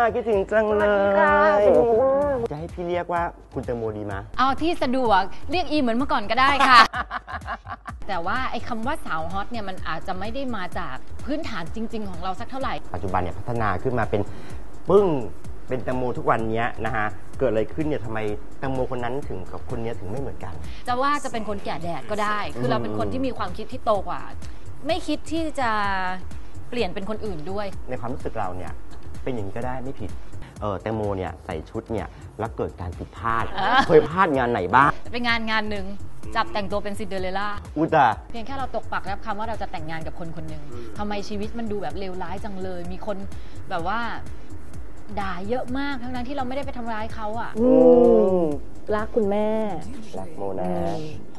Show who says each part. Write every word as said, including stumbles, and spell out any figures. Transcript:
Speaker 1: คิดถึงจังเลยจะให้พี่เรียกว่าคุณแตงโมดีไหม
Speaker 2: เอาที่สะดวกเรียกอีเหมือนเมื่อก่อนก็ได้ค่ะ แต่ว่าไอ้คำว่าสาวฮอตเนี่ยมันอาจจะไม่ได้มาจากพื้นฐานจริงๆของเราสักเท่าไหร่
Speaker 1: ปัจจุบันเนี่ยพัฒนาขึ้นมาเป็นปึ้งเป็นแตงโมทุกวันนี้นะฮะเกิดอะไรขึ้นเนี่ยทำไมแตงโมคนนั้นถึงกับคนนี้ถึงไม่เหมือนกัน
Speaker 2: จะว่าจะเป็นคนแก่แดดก็ได้คือเราเป็นคนที่มีความคิดที่โตกว่าไม่คิดที่จะเปลี่ยนเป็นคนอื่นด้วย
Speaker 1: ในความรู้สึกเราเนี่ยเป็นอย่างนี้ก็ได้ไม่ผิดเออแตงโมเนี่ยใส่ชุดเนี่ยแล้วเกิดการผิดพลาดเคยพลาดงานไหนบ้าง
Speaker 2: เป็นงานงานหนึ่งจับแต่งตัวเป็นซินเดอเรลล่า
Speaker 1: อุตา
Speaker 2: เพียงแค่เราตกปักรับคำว่าเราจะแต่งงานกับคนคนหนึ่งทำไมชีวิตมันดูแบบเลวร้ายจังเลยมีคนแบบว่าด่าเยอะมากทั้งนั้นที่เราไม่ได้ไปทำร้ายเขาอ่ะ
Speaker 3: รักคุณแม่
Speaker 1: รักโมนะ